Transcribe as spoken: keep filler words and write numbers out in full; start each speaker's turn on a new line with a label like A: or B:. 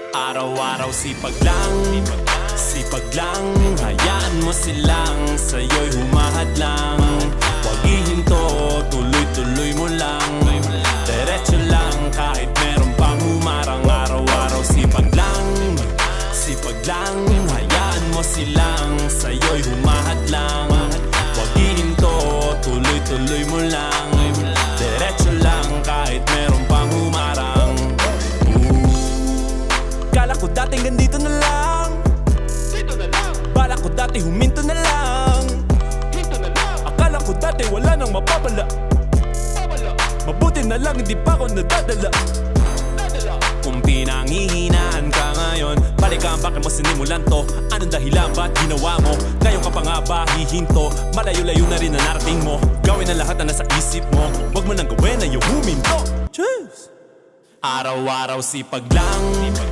A: Araw-araw sipag lang, sipag lang. Hayaan mo silang sa'yo'y humahad lang. Huwag ihinto, tuloy-tuloy mo lang. Diretso lang kahit meron pang humarang. Araw-araw sipag lang, sipag lang. Hayaan mo silang sa'yo'y humahad lang. Huwag ihinto, tuloy-tuloy mo lang. Diretso lang kahit meron pang humarang. Kala ko dating ganito na lang, dito na lang. Bala ko dati huminto na lang, hinto na lang. Akala ko dati wala nang mapapala, Babala. Mabuti na lang hindi pa ako nadadala, Nadala. Kung pinanghihinaan ka ngayon, balikan bakit mo sinimulan to. Anong dahilan ba't ginawa mo? Ngayon ka pa nga ba hihinto? Malayo-layo na rin na narating mo. Gawin ang lahat na nasa isip mo. Huwag mo nang gawin na yung huminto. Cheers! Araw-araw sipag lang,